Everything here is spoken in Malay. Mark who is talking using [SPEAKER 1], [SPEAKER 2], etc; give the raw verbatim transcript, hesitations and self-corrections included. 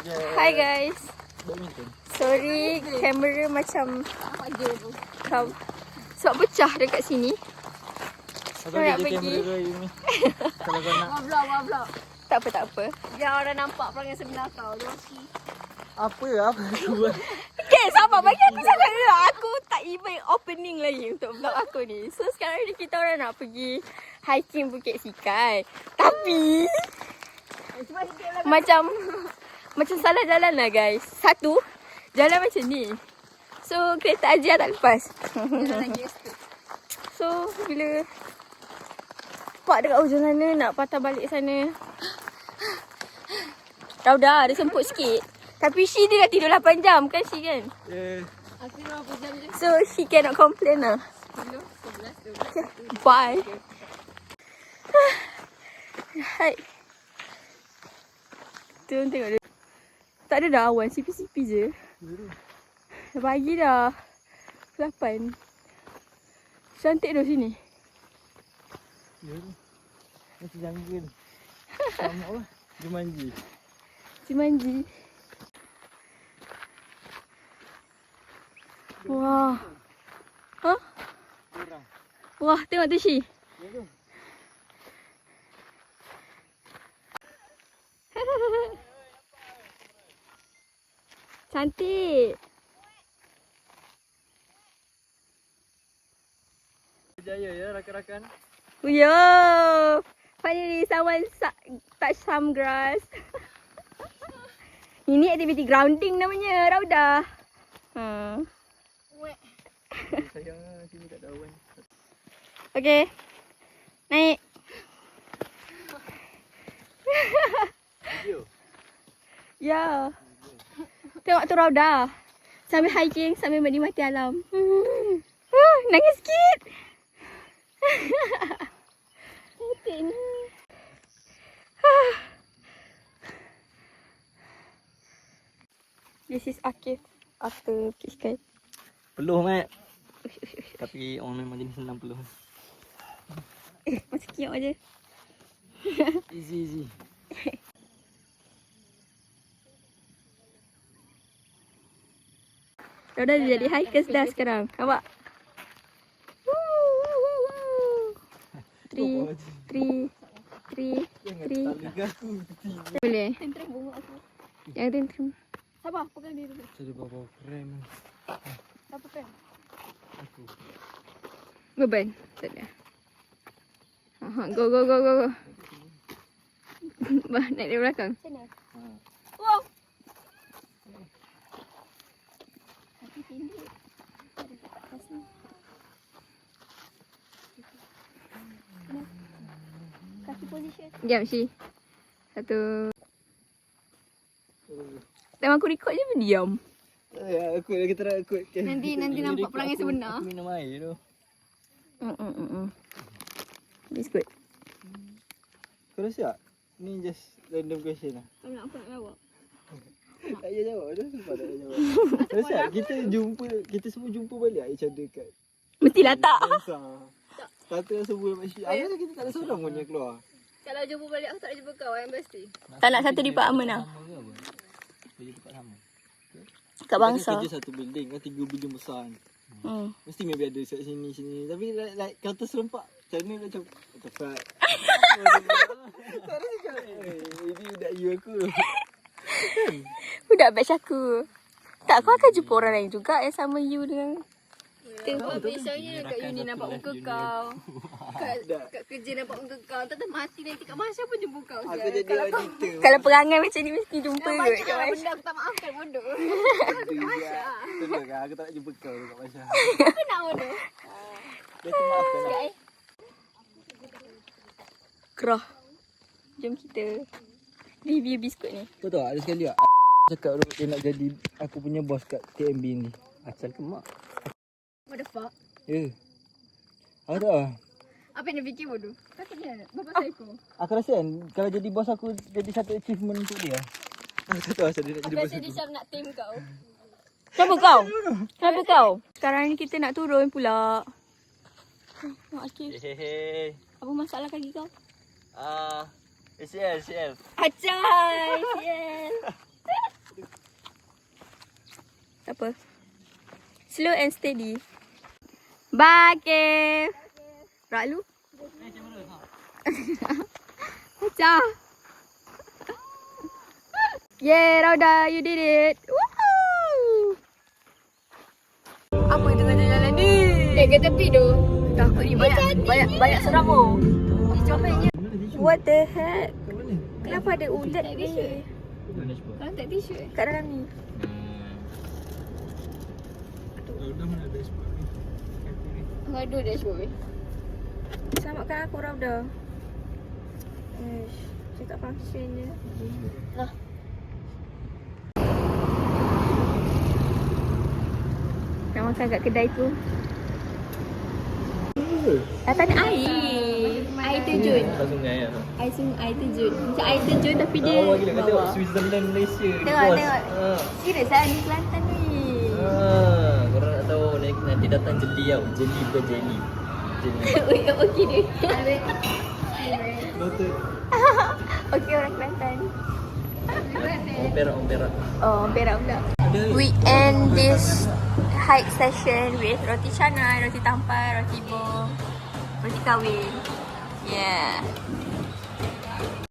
[SPEAKER 1] Hi guys. Sorry, kamera macam kau sebab pecah dekat sini.
[SPEAKER 2] Atau dia kamera ni. Kalau kau nak.
[SPEAKER 3] Vlog, vlog.
[SPEAKER 1] Tak apa, tak apa.
[SPEAKER 3] Biar orang nampak perangai sebenar kau. Rocky.
[SPEAKER 2] Apa? Apa aku buat?
[SPEAKER 1] Okay, sabar. Bagi aku cakap dulu. Aku tak even opening lagi untuk vlog aku ni. So, sekarang ni kita orang nak pergi hiking Bukit Sikai. Tapi, macam macam salah jalan lah guys. Satu, jalan macam ni. So, kereta Ajia tak lepas. So, bila pak dekat hujung sana, nak patah balik sana. Rauda, ada semput sikit. Tapi she dia dah tidur lapan jam kan she kan?
[SPEAKER 2] Yeah.
[SPEAKER 3] Aku berapa jam je?
[SPEAKER 1] So, she cannot complain lah.
[SPEAKER 3] sepuluh, sebelas, dua belas.
[SPEAKER 1] Okay, bye. Hai. Tengok tengok dia. Tak ada dah awan, sipi-sipi je. Dah pagi dah. lapan. Cantik dah sini.
[SPEAKER 2] Ya tu. Macam jungle. Sama lah. Jumanji.
[SPEAKER 1] Jumanji. Wah. Hah?
[SPEAKER 2] Kurang.
[SPEAKER 1] Wah, tengok tu Shi.
[SPEAKER 2] Ya tu.
[SPEAKER 1] Cantik.
[SPEAKER 2] Berjaya ya rakan-rakan.
[SPEAKER 1] Yo. Finally someone touch some grass. Ini aktiviti grounding namanya, Rauda. Ha.
[SPEAKER 3] Wek.
[SPEAKER 2] Sayang sini tak ada awan.
[SPEAKER 1] Okey. Naik.
[SPEAKER 2] Video.
[SPEAKER 1] Ya. Tengok tu Rauda. Sambil hiking, sambil menikmati alam. Hmm. Uh, nangis sikit. Cantik ni. This is Akif after Bukit Sikai.
[SPEAKER 2] Peluh mat. Tapi orang memang jenis senang peluh.
[SPEAKER 1] Eh, macam kiok aje.
[SPEAKER 2] Easy easy.
[SPEAKER 1] Rauda dah jadi hikers dah sekarang. Nampak? Three, three, three, three. Boleh?
[SPEAKER 3] Tentram bunga aku.
[SPEAKER 1] Yang tentram.
[SPEAKER 3] Sabar, pegang dia dulu.
[SPEAKER 2] Saya bawa krem.
[SPEAKER 3] Siapa kan?
[SPEAKER 2] Aku.
[SPEAKER 1] Beban. Tak ada. Aha, go, go, go, go, go. Bah, naik dari belakang.
[SPEAKER 3] Sana.
[SPEAKER 2] Ha.
[SPEAKER 3] Wow. Kaki tinggi. Ada kat atas ni. Kaki position.
[SPEAKER 1] Jom, Shi. Satu. Time aku record je pun diam.
[SPEAKER 2] Ya, aku lagi terang aku.
[SPEAKER 3] Nanti- nanti nampak perangai
[SPEAKER 2] Aku-
[SPEAKER 3] sebenar.
[SPEAKER 2] Aku minum air tu.
[SPEAKER 1] Mm mm mm. mm. It's good.
[SPEAKER 2] Kau rasa tak? Ni just random question lah.
[SPEAKER 3] Kau nak apa nak jawab?
[SPEAKER 2] Tak payah jawab tu. Sebab tak payah jawab. Rasa tak kita jumpa, kita semua jumpa balik each other kat
[SPEAKER 1] Mestilah tak.
[SPEAKER 2] Dansa. Kata semua macam apa kita tak ada seorang pun yang keluar.
[SPEAKER 3] Kalau jumpa balik aku tak nak jumpa kau yang pasti.
[SPEAKER 1] Tak nak satu department lah.
[SPEAKER 2] Kerja tempat sama.
[SPEAKER 1] Kat bangsa.
[SPEAKER 2] Kita kerja satu building kan, tiga building besar kan.
[SPEAKER 1] Hmm.
[SPEAKER 2] Mesti maybe ada set sini sini. Tapi like, like counter serempak. Macam mana macam tepat. Tak ada cakap. Eh, ini budak you aku.
[SPEAKER 1] Budak batch aku. Tak, kau akan jumpa orang lain juga yang sama you dengan...
[SPEAKER 3] Tengok biasanya kat uni nampak muka kau. Kat, kat kerja nampak muka kau. Tak tahu mati nanti kat Masya pun jumpa kau.
[SPEAKER 2] Aku
[SPEAKER 3] sial.
[SPEAKER 2] jadi
[SPEAKER 3] Kalau kau
[SPEAKER 2] auditor.
[SPEAKER 1] Kalau perangai macam ni mesti jumpa
[SPEAKER 3] yang
[SPEAKER 1] ke
[SPEAKER 3] banyak
[SPEAKER 1] kat
[SPEAKER 3] lah
[SPEAKER 1] Masya.
[SPEAKER 3] benda aku tak maafkan bodoh.
[SPEAKER 2] Masya. Tolong kan aku tak nak jumpa kau dekat Masya.
[SPEAKER 3] Apa nak bodoh?
[SPEAKER 2] Dia tu maafkan lah.
[SPEAKER 3] Eh,
[SPEAKER 1] Kerah. Jom kita review biskut ni.
[SPEAKER 2] Kau tahu ada sekali tak? Cakap dia nak jadi aku punya bos kat T M B ni. Asal ke mak?
[SPEAKER 3] what the fuck?
[SPEAKER 2] Ya. Aku tahu lah.
[SPEAKER 3] Apa yang dia fikir bodoh? Kata dia bapak psycho.
[SPEAKER 2] Aku rasa kan kalau jadi bos aku jadi satu achievement untuk dia. Aku tak tahu asal dia nak jadi
[SPEAKER 3] Apa
[SPEAKER 2] bos
[SPEAKER 3] yang dia
[SPEAKER 2] aku.
[SPEAKER 3] Syam nak tame kau?
[SPEAKER 1] Siapa kau? Siapa kau? Sekarang ni kita nak turun pula. Nak Akif.
[SPEAKER 2] Hehehe.
[SPEAKER 1] Apa masalah kaki kau?
[SPEAKER 2] Ah, A C L, A C L.
[SPEAKER 1] Acai, sial. tak apa. Slow and steady. Bye, Kev. Rak lu? Pecah. Yeay, Rauda, you did it. Woohoo! Apa itu tengah jalan ni?
[SPEAKER 3] Eh, ke tepi tu.
[SPEAKER 1] Takut ni banyak banyak banyak seram oh.
[SPEAKER 3] Comelnya.
[SPEAKER 1] What the heck?
[SPEAKER 2] Kat mana?
[SPEAKER 1] Kenapa ada ulat ni?
[SPEAKER 2] Mana sebab?
[SPEAKER 3] Kau tak tisu eh?
[SPEAKER 1] Kat dalam ni.
[SPEAKER 2] Dah mana ada sebab ni?
[SPEAKER 3] Kau ada dashboard eh?
[SPEAKER 1] Selamatkan aku, Rauda. Ish, saya tak function je. Lah. Nak makan kat kedai tu. Datang air. Air terjun.
[SPEAKER 2] Kat sungai lah.
[SPEAKER 1] Air sungai, air terjun. Macam air terjun tapi dia
[SPEAKER 2] Awak gila kau tengok
[SPEAKER 1] bawah.
[SPEAKER 2] Switzerland Malaysia.
[SPEAKER 1] Tengok,
[SPEAKER 2] Bos.
[SPEAKER 1] tengok.
[SPEAKER 2] Ha.
[SPEAKER 1] Serius lah ni Kelantan ni.
[SPEAKER 2] Ha. Korang nak tahu nanti, nanti datang jeli tau. Jeli bukan jelly. Jeli.
[SPEAKER 1] Ui, okey dia.
[SPEAKER 2] Noted.
[SPEAKER 1] Okey orang Kelantan.
[SPEAKER 2] Orang Perak, orang Perak.
[SPEAKER 1] Oh, Perak pula. We end this hike session with roti canai, roti tampar, roti bom, roti kahwin. Yeah.